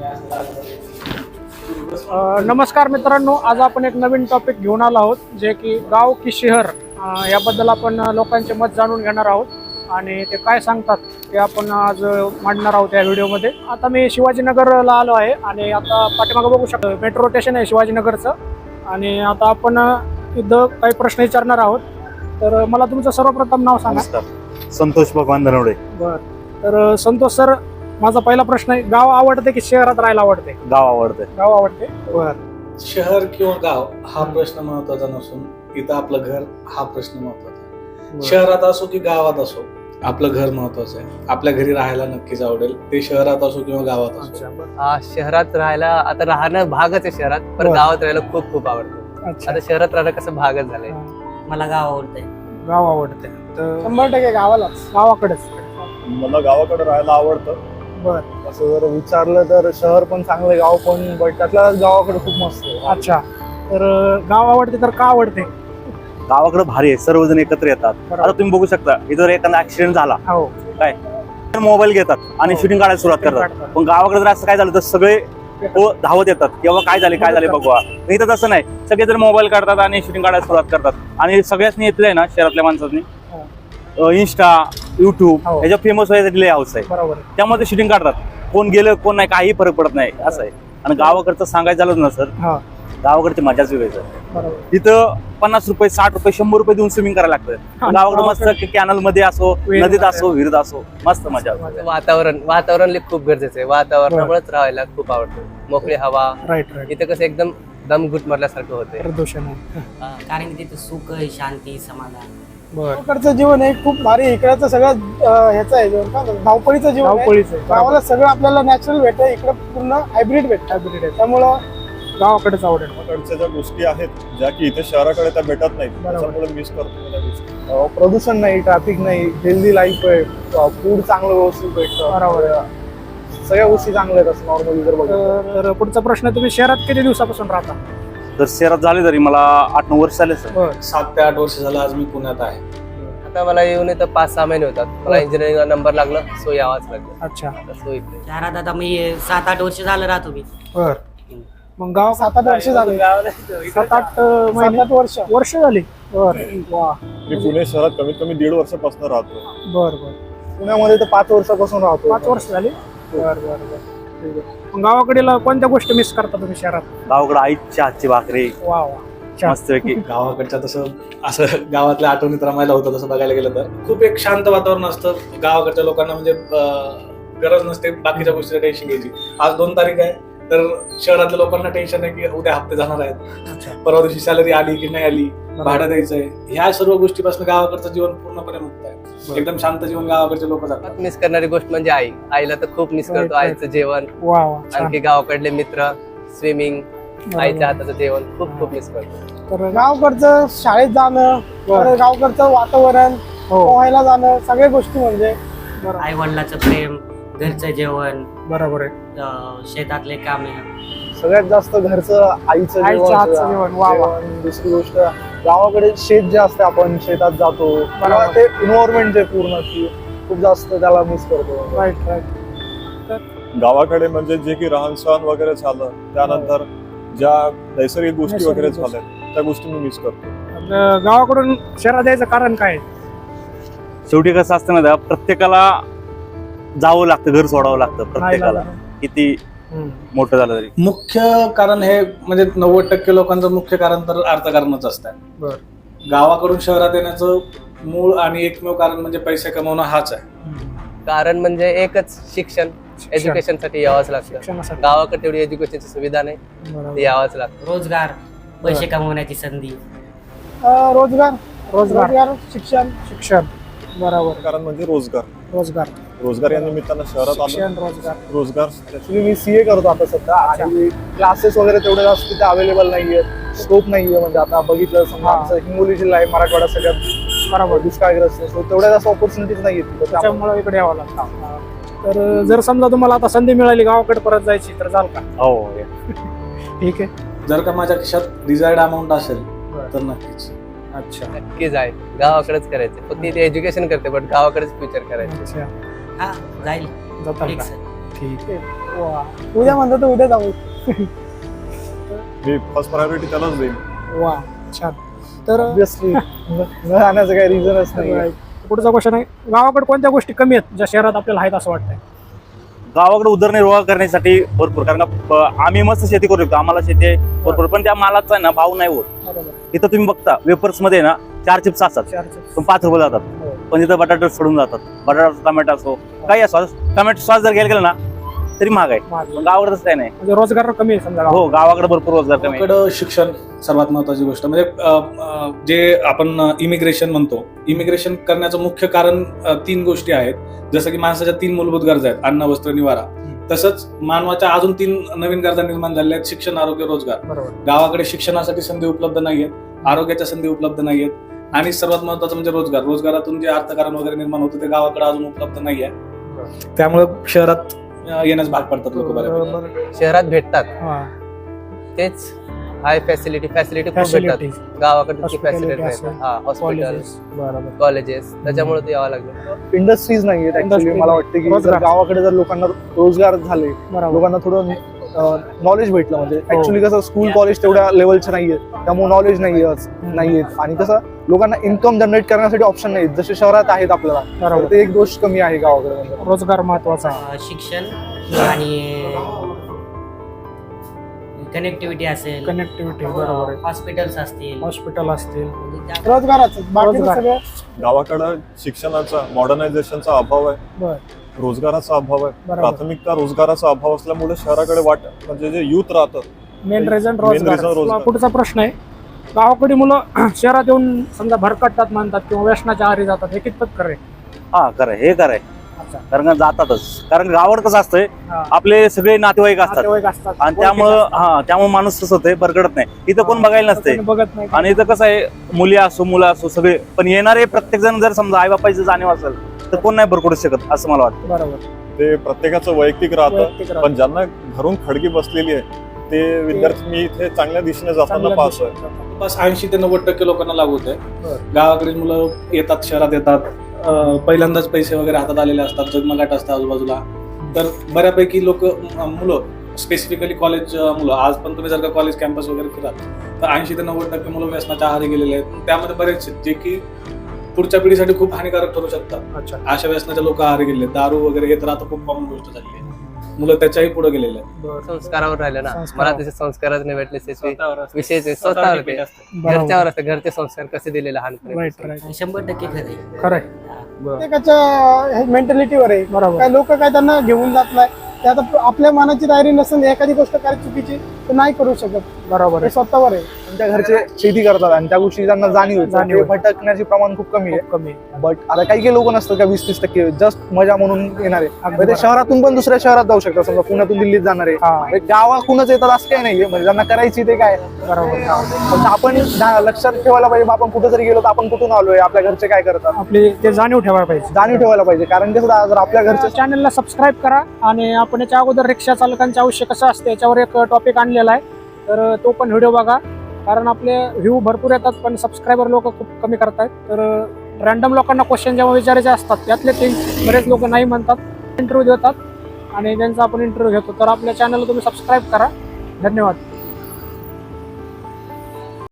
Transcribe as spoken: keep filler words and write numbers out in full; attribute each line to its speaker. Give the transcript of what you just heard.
Speaker 1: अ, नमस्कार मित्रांनो, आज आपण एक नवीन टॉपिक घेऊन आलो आहोत, जे की गाव की शहर अ, याबद्दल आपण लोकांचे मत जाणून घेणार आहोत आणि ते काय सांगतात ते आपण आज मांडणार आहोत या व्हिडिओमध्ये. आता मी शिवाजीनगरला आलो आहे आणि आता पाठीमागं बघू शकतो मेट्रो स्टेशन आहे शिवाजीनगरचं. आणि आता आपण इथं काही प्रश्न विचारणार आहोत. तर मला तुमचं सर्वप्रथम नाव सांगा.
Speaker 2: नमस्कार, संतोष भगवान धनवडे.
Speaker 1: बरं, तर संतोष सर, माझा पहिला प्रश्न आहे, गाव आवडते की शहरात राहायला आवडते?
Speaker 2: गाव आवडते.
Speaker 1: गाव आवडते. बर.
Speaker 3: शहर किंवा गाव हा प्रश्न महत्वाचा नसून इथं आपलं घर हा प्रश्न महत्वाचा आहे. शहरात असो की गावात असो आपलं घर महत्वाचं आहे. आपल्या घरी राहायला नक्कीच आवडेल, ते शहरात असो किंवा गावात असो.
Speaker 4: हा, शहरात राहायला आता राहणं भागच आहे शहरात, पण
Speaker 1: बरं.
Speaker 4: गावात राहायला खूप खूप आवडतं.
Speaker 1: अच्छा,
Speaker 4: आता शहरात राहणं कसं भागच झालंय.
Speaker 5: मला गाव आवडतंय.
Speaker 1: गाव आवडते. तर शंभर टक्के गावालाच, गावाकडेच.
Speaker 6: मला गावाकडे राहायला आवडतं.
Speaker 1: बर.
Speaker 6: असं जर विचारलं तर शहर पण चांगलं, गाव पण, बट त्यातला गावाकडे खूप मस्त आहे.
Speaker 1: अच्छा, तर गाव आवडते तर का आवडते?
Speaker 2: गावाकडे भारी आहे, सर्वजण एकत्र येतात.
Speaker 1: बरोबर.
Speaker 2: आता तुम्ही बघू शकता, इथं जर एखादा ऍक्सिडेंट झाला
Speaker 1: हो,
Speaker 2: काय मोबाईल घेतात आणि
Speaker 1: हो.
Speaker 2: शूटिंग काढायला सुरुवात
Speaker 1: Shooting
Speaker 2: करतात.
Speaker 1: काढतात.
Speaker 2: पण गावाकडे जर असं काय झालं तर सगळे हो धावत येतात किंवा काय झाले काय झाले बघवा. इथं तसं नाही, सगळे जर मोबाईल काढतात आणि शूटिंग काढायला सुरुवात करतात. आणि सगळ्याच येतलंय ना शहरातल्या माणसांनी इंस्टा, युट्यूब
Speaker 1: हो.
Speaker 2: ह्याच्या फेमस व्हायसाठी लय हाऊस आहे.
Speaker 1: बरोबर.
Speaker 2: त्यामुळे ते शूटिंग काढतात. कोण गेलं कोण नाही काही फरक पडत नाही असं आहे. आणि गावाकडचं सांगायचं झालं ना सर,
Speaker 1: हा,
Speaker 2: गावाकडची मजाच वेगळीच आहे.
Speaker 1: बरोबर.
Speaker 2: तिथं पन्नास रुपये साठ रुपये शंभर रुपये देऊन स्विमिंग करायला लागतं. गावाकडे मस्त कॅनल मध्ये असो,
Speaker 1: विहिरीत
Speaker 2: नदीत
Speaker 1: असो.
Speaker 2: असो, विहिरीत असो, मस्त मजा.
Speaker 4: वातावरण वातावरण लई खूप गरजेचं आहे. वातावरणामुळेच राहायला खूप आवडतं. मोकळी हवा,
Speaker 1: राईट राईट.
Speaker 4: इथं कसं एकदम दम घुट मारल्यासारखं होतंय.
Speaker 1: प्रदूषण आहे.
Speaker 5: कारण की तिथे सुख आहे, शांती, समाधान.
Speaker 1: बर.
Speaker 7: इकडचं जीवन आहे खूप भारी. इकडचं सगळं अं, ह्याचं आहे जीवन, काय म्हणतात, धावपळीचं जीवन आहे.
Speaker 1: धावपळीचं आहे.
Speaker 7: गावाला सगळं आपल्याला नॅचरल भेटतं, इकडे पूर्ण हायब्रिड भेटतं.
Speaker 1: हायब्रिड आहे.
Speaker 7: त्यामुळं
Speaker 1: गावाकडेच आवडेल.
Speaker 6: गावाकडच्या ज्या गोष्टी आहेत ज्या की इथे शहराकडे त्या भेटत नाहीत,
Speaker 1: बरोबर.
Speaker 6: त्याच्यामुळे मिस करतो मी त्या गोष्टी.
Speaker 7: अं, प्रदूषण नाही, ट्रॅफिक नाही, हेल्दी लाईफ आहे, फूड चांगलं व्यवस्थित भेटतं.
Speaker 1: बरोबर.
Speaker 7: सगळ्या गोष्टी चांगल्या आहेत असं नॉर्मली जर बघितलं.
Speaker 1: तर पुढचा प्रश्न, तुम्ही शहरात किती दिवसापासून राहता?
Speaker 2: तर शहरात झाले तरी मला आठ नऊ वर्ष झाले सर.
Speaker 1: बर.
Speaker 3: सात ते आठ वर्ष झालं आज मी पुण्यात आहे.
Speaker 4: आता मला येऊन इथं पाच सहा महिने होतात. मला इंजिनिअरिंगला नंबर लागला, सो यावाच लागलं.
Speaker 1: अच्छा,
Speaker 4: आता सो इकडे
Speaker 5: शहरात आता मी सात आठ वर्ष झालं राहतो मी.
Speaker 1: बर. मग गाव
Speaker 7: सात आठ वर्ष झाले.
Speaker 1: सात आठ
Speaker 7: सात
Speaker 1: महिने
Speaker 7: आठ वर्ष
Speaker 1: वर्ष झाली. बर. वा.
Speaker 6: मी पुणे शहरात कमीत कमी दीड वर्षापासून राहतो.
Speaker 1: बर बर.
Speaker 7: पुण्यामध्ये तर पाच वर्षापासून राहतो.
Speaker 1: पाच वर्ष झाली. बर बर बर. ठीक आहे. मग गावाकडील कोणत्या गोष्टी मिस करता तुम्ही शहरात?
Speaker 2: गावाकडे आईची हातची भाकरी
Speaker 1: वा वा. छान.
Speaker 2: मस्त पैकी.
Speaker 3: गावाकडच्या तसं असं गावातल्या आठवणीत रमायला होतं. तसं बघायला गेलं तर खूप एक शांत वातावरण असतं गावाकडच्या लोकांना. म्हणजे अं, गरज नसते बाकीच्या गोष्टीचं टेन्शन घ्यायची. आज दोन तारीख आहे तर शहरातल्या लोकांना टेन्शन आहे की उद्या हप्ते जाणार आहेत,
Speaker 1: अच्छा.
Speaker 3: परवा दिवशी सॅलरी आली की नाही आली, भाडं द्यायचंय. ह्या सर्व गोष्टीपासून गावाकडचं जीवन पूर्णपणे मुक्त आहे. एकदम शांत जीवन गावाकडचे लोक जातात.
Speaker 4: मिस करणारी गोष्ट म्हणजे आई. आईला तर खूप मिस
Speaker 1: Right,
Speaker 4: करतो.
Speaker 1: right.
Speaker 4: आईचं जेवण,
Speaker 1: वा वा. छान.
Speaker 4: आणखी गावाकडले मित्र, स्विमिंग,
Speaker 1: बरोबर.
Speaker 4: आईच्या हाताचं जेवण खूप खूप मिस करतो.
Speaker 1: तर
Speaker 7: गावकडचं शाळेत जाणं, परत गावकडचं वातावरण,
Speaker 1: हो,
Speaker 7: पोहायला जाणं, सगळ्या गोष्टी म्हणजे
Speaker 5: आई वडिलाचं प्रेम, घरचं जेवण,
Speaker 1: बरोबर आहे.
Speaker 5: अं, शेतातले कामे.
Speaker 7: सगळ्यात जास्त घरचं आईचं
Speaker 1: आईच्या हातचं जेवण. वा वा.
Speaker 7: जेवण. दुसरी गोष्ट, गावाकडे शेत जे असते, आपण शेतात जातो, तेव्हा ते इन्व्हायरमेंट जे पूर्ण की खूप जास्त त्याला मिस करतो.
Speaker 1: Right right.
Speaker 6: गावाकडे म्हणजे जे की राहण सहन वगैरे झालं, त्यानंतर ज्या नैसर्गिक गोष्टी वगैरे
Speaker 1: नैसर्गिक
Speaker 6: झाल्या त्या गोष्टी मी मिस करतो.
Speaker 1: आपलं गावाकडून शहरात यायचं कारण काय आहे?
Speaker 2: शेवटी कसं असतं ना, प्रत्येकाला जावं लागतं, घर सोडावं लागतं प्रत्येकाला, किती
Speaker 1: हम्म.
Speaker 2: मोठं झालं तरी.
Speaker 3: मुख्य कारण हे म्हणजे नव्वद टक्के लोकांचं मुख्य कारण तर अर्थकारणच असतं.
Speaker 1: बर.
Speaker 3: गावाकडून शहरात येण्याचं मूळ आणि एकमेव कारण म्हणजे पैसे कमवणं हाच आहे.
Speaker 1: हम्म.
Speaker 4: कारण म्हणजे एकच, शिक्षण. एज्युकेशन साठी यावंच लागतं.
Speaker 1: शिक्षणासाठी.
Speaker 4: गावाकडे तेवढी एज्युकेशनची सुविधा नाही,
Speaker 1: बरोबर.
Speaker 4: ते यावंच लागतं.
Speaker 5: रोजगार, पैसे कमवण्याची संधी.
Speaker 7: अं, रोजगार
Speaker 1: रोजगार,
Speaker 7: रोजगार शिक्षण.
Speaker 1: शिक्षण. बरोबर.
Speaker 6: कारण म्हणजे रोजगार
Speaker 1: रोजगार,
Speaker 6: रोजगार या निमित्तानं शहरात आलो.
Speaker 1: शिक्षण, रोजगार.
Speaker 6: रोजगार
Speaker 7: ऍक्च्युली मी सीए करतो आता सध्या, आणि क्लासेस वगैरे तेवढे जास्त तिथे अवेलेबल नाहीये, स्कोप नाहीये. म्हणजे आता बघितलं समजा
Speaker 1: हा.
Speaker 7: आमचं हिंगोली जिल्हा आहे, मराठवाडा सगळ्यात
Speaker 1: बरोबर.
Speaker 7: दुष्काळग्रस्त आहे, so तेवढ्या जास्त ऑपॉर्च्युनिटीज नाहीये तिथे. त्यामुळे
Speaker 1: त्याच्यामुळे इकडे यावं लागतं. तर जर समजा तुम्हाला आता संधी मिळाली गावाकडे परत जायची तर जाल का?
Speaker 2: हो.
Speaker 1: ठीक आहे.
Speaker 3: जर का माझ्या खिशात डिझायर्ड अमाऊंट असेल
Speaker 1: बरं.
Speaker 3: तर नक्कीच.
Speaker 1: अच्छा.
Speaker 4: नक्कीच आहे, गावाकडेच करायचं. फक्त इथे एज्युकेशन करते, पण गावाकडेच फ्युचर करायचं.
Speaker 1: अच्छा.
Speaker 5: हा जाईल
Speaker 1: जाताल
Speaker 5: फिक्स.
Speaker 1: का? ठीक आहे. वा
Speaker 7: उद्या म्हणतो तर उद्या जाऊ.
Speaker 6: मी फर्स्ट प्रायोरिटी त्यालाच देईन.
Speaker 1: वा छान. तर
Speaker 7: ऑब्विसली न जाण्याचं काही रिझनच नाही.
Speaker 1: पुढचा क्वेश्चन आहे, गावाकडे कोणत्या गोष्टी कमी आहेत ज्या शहरात आपल्याला आहेत असं वाटतंय?
Speaker 2: गावाकडे उदरनिर्वाह करण्यासाठी भरपूर, कारण का प- आम्ही मस्त शेती करू शकतो, आम्हाला शेती आहे भरपूर, पण त्या मालाचा आहे ना भाव नाही होत.
Speaker 1: बरोबर.
Speaker 2: इथं तुम्ही बघता वेपर्स मध्ये ना चार चिप्स असतात
Speaker 1: चार चिप्स.
Speaker 2: पण पाच रुपये जातात,
Speaker 1: हो.
Speaker 2: पण इथं बटाटे सोडून जातात. बटाटा टोमॅटो असो काही असो, टोमॅटो सॉस जर घ्यायला गेलं ना तरी महाग आहे.
Speaker 1: महाग.
Speaker 2: पण गावाकडे तसं काही नाही.
Speaker 1: म्हणजे रोजगार कमी आहे समजा
Speaker 2: हो,
Speaker 1: गावाकडे.
Speaker 2: गावाकडे भरपूर रोजगार कमी आहे.
Speaker 3: गावाकडं शिक्षण सर्वात महत्वाची गोष्ट. म्हणजे अ, अ, जे आपण इमिग्रेशन म्हणतो, इमिग्रेशन करण्याचं मुख्य कारण अ, तीन गोष्टी आहेत. जसं की माणसाच्या तीन मूलभूत गरजा आहेत, अन्न, वस्त्र, निवारा. तसंच मानवाच्या अजून तीन नवीन गरजा निर्माण झालेल्या आहेत, शिक्षण, आरोग्य, रोजगार.
Speaker 1: बरोबर.
Speaker 3: गावाकडे शिक्षणासाठी संधी उपलब्ध नाहीयेत, आरोग्याच्या संधी उपलब्ध नाहीयेत, आणि सर्वात महत्वाचं म्हणजे रोजगार. रोजगारातून जे अर्थकारण वगैरे निर्माण होतं ते गावाकडे अजून उपलब्ध नाहीये. त्यामुळे शहरात अ, येण्यास भाग पडतात लोक बऱ्यापैकी.
Speaker 1: बरोबर.
Speaker 4: शहरात भेटतात
Speaker 1: हा.
Speaker 4: तेच हाय फॅसिलिटी फॅसिलिटी खूप
Speaker 1: Facility.
Speaker 4: भेटतात. गावाकडे
Speaker 1: Hospitality
Speaker 4: फॅसिलिटी
Speaker 1: असेल.
Speaker 4: भेटतात. हा हॉस्पिटल,
Speaker 1: Colleges. बरोबर.
Speaker 4: कॉलेजेस, त्याच्यामुळे ते यावं लागलं.
Speaker 7: इंडस्ट्रीज नाही आहेत ऍक्च्युली.
Speaker 1: Industries
Speaker 7: मला वाटतं की
Speaker 1: रोजगार.
Speaker 7: जर गावाकडे जर लोकांना रोजगार झाले,
Speaker 1: बरोबर.
Speaker 7: लोकांना थोडं नॉलेज भेटलं, म्हणजे
Speaker 1: हो.
Speaker 7: ऍक्च्युली कसं स्कूल कॉलेज तेवढ्या लेवलचे नाहीये, त्यामुळे नॉलेज नाहीये नाहीयेत, आणि कसं लोकांना इन्कम जनरेट करण्यासाठी ऑप्शन नाहीत जसे शहरात आहेत आपल्याला.
Speaker 1: बरोबर.
Speaker 7: तर ते एक गोष्ट कमी आहे गावाकडे. म्हणजे
Speaker 1: रोजगार महत्वाचा आहे.
Speaker 5: अं, शिक्षण आणि कनेक्टिव्हिटी असेल,
Speaker 1: कनेक्टिव्हिटी. बरोबर आहे.
Speaker 5: हॉस्पिटल्स असतील,
Speaker 1: हॉस्पिटल असतील.
Speaker 5: म्हणजे त्या-
Speaker 1: रोजगाराचं रोजगार.
Speaker 6: गावाकडं शिक्षणाचा, मॉडर्नायझेशनचा अभाव आहे,
Speaker 1: बर.
Speaker 6: रोजगाराचा अभाव आहे.
Speaker 1: बरोबर.
Speaker 6: प्राथमिकता रोजगाराचा अभाव असल्यामुळे शहराकडे वाट म्हणजे जे युथ राहतं
Speaker 1: मेन रिझन
Speaker 6: Main reason
Speaker 1: रोजगार.
Speaker 6: रोजगार.
Speaker 1: पुढचा प्रश्न आहे, गावाकडे मुलं शहरात येऊन समजा भरकटतात म्हणतात किंवा व्यसनाच्या आहारी जातात, हे कितपत खरं आहे?
Speaker 2: हा खरं हे खरं आहे.
Speaker 1: अच्छा.
Speaker 2: कारण का जातातच, कारण गावाकडे कसं असतंय
Speaker 1: हा.
Speaker 2: आपले सगळे नातेवाईक असतात
Speaker 1: नातेवाईक असतात.
Speaker 2: आणि त्यामुळं हा त्यामुळे माणूस कसं होतंय भरकडत नाही. इथं कोण बघायला नसते,
Speaker 1: कोणी बघत नाही.
Speaker 2: आणि इथं कसं आहे मुली असो मुलं असो सगळे, पण येणारे प्रत्येक जण जर समजा आई बापाची जाणीव असेल तर कोण नाही भरकडू शकत असं मला वाटतं.
Speaker 1: बरोबर.
Speaker 6: ते प्रत्येकाचं वैयक्तिक राहतं.
Speaker 1: वैयक्तिक राहतं.
Speaker 6: पण ज्यांना घरून खडगी बसलेली आहे ते विद्यार्थी मी इथे चांगल्या दिशेने जाताना
Speaker 1: चांगल्या
Speaker 6: पाहतोय.
Speaker 1: दिशेने.
Speaker 3: बस ऐंशी ते नव्वद टक्के लोकांना लागू होत आहे.
Speaker 1: बरं.
Speaker 3: गावाकडील मुलं येतात, शहरात येतात, अं, पहिल्यांदाच पैसे वगैरे हातात आलेले असतात, जगमगाट असतात आजूबाजूला. तर बऱ्यापैकी लोक मुलं स्पेसिफिकली कॉलेज मुलं, आज पण तुम्ही जर का कॉलेज कॅम्पस वगैरे फिराल तर ऐंशी ते नव्वद टक्के मुलं व्यसनाच्या आहारी गेलेले आहेत. त्यामध्ये बरेच आहेत जे की पुढच्या पिढीसाठी खूप हानिकारक ठरू शकतात.
Speaker 1: अच्छा.
Speaker 3: अशा व्यसनाच्या लोक आहारी गेले, दारू वगैरे हे तर आता खूप कॉमन गोष्ट झाली आहे. मुलं त्याच्याही पुढे गेलेले आहेत.
Speaker 1: बरं.
Speaker 4: संस्कारावर राहिलं ना,
Speaker 1: संस्कारावर.
Speaker 4: मला त्याचे संस्कारच नाही भेटले. त्याचे विषय ते
Speaker 3: स्वतःवर
Speaker 4: स्वतःवर
Speaker 3: depend
Speaker 4: ते
Speaker 3: असतं.
Speaker 1: बरोबर.
Speaker 4: घरच्यावर असतं, घरचे संस्कार कसे दिले लहानपणी.
Speaker 1: Right right.
Speaker 5: शंभर टक्के खरं आहे.
Speaker 1: खरं आहे.
Speaker 8: प्रत्येकाच्या मेंटॅलिटीवर आहे.
Speaker 1: बरोबर.
Speaker 8: काय लोक काय त्यांना घेऊन जात नाही, ते आता आपल्या मनाची तयारी नसेल एखादी गोष्ट काय चुकीची तर नाही करू शकत.
Speaker 1: बरोबर
Speaker 8: हे
Speaker 1: आहे.
Speaker 8: स्वतःवर आहे.
Speaker 7: त्यांच्या घरचे शेती करतात आणि त्या गोष्टी त्यांना जाणीव आहे.
Speaker 1: जाणीव
Speaker 7: ते
Speaker 1: आहे.
Speaker 7: भटकण्याचे प्रमाण खूप कमी आहे.
Speaker 1: खूप कमी आहे.
Speaker 7: बट आता काही काही लोक नसतात का वीस तीस टक्के जस्ट मजा म्हणून येणारे,
Speaker 1: अगदी
Speaker 7: तर ते
Speaker 1: बरोबर.
Speaker 7: शहरातून पण दुसऱ्या शहरात जाऊ शकतात. समजा पुण्यातून दिल्लीत जाणारे
Speaker 1: हा.
Speaker 7: गावाकडूनच येतात असं काही नाहीये, म्हणजे ज्यांना करायची ते काय.
Speaker 1: बरोबर.
Speaker 7: पण आपण धा- लक्षात ठेवायला पाहिजे बा, आपण कुठे जरी गेलो तर आपण कुठून आलोय, आपल्या घरचे काय करतात,
Speaker 1: आपली ते जाणीव ठेवायला पाहिजे.
Speaker 7: जाणीव ठेवायला पाहिजे. कारण कसं जर आपल्या घरचे
Speaker 1: चॅनलला सबस्क्राईब करा, आणि आपण याच्या अगोदर रिक्षा चालकांचे आयुष्य कसं असते याच्यावर एक टॉपिक आणलेला आहे, तर तो पण व्हिडिओ बघा. कारण आपले व्ह्यू भरपूर येतात पण सबस्क्रायबर लोक खूप कमी करतायत. तर रॅन्डम लोकांना क्वेश्चन जेव्हा विचारायचे असतात त्यातले ते बरेच लोक नाही म्हणतात, इंटरव्ह्यू देतात आणि त्यांचा आपण इंटरव्ह्यू घेतो. तर आपल्या चॅनलला तुम्ही सबस्क्राईब करा. धन्यवाद.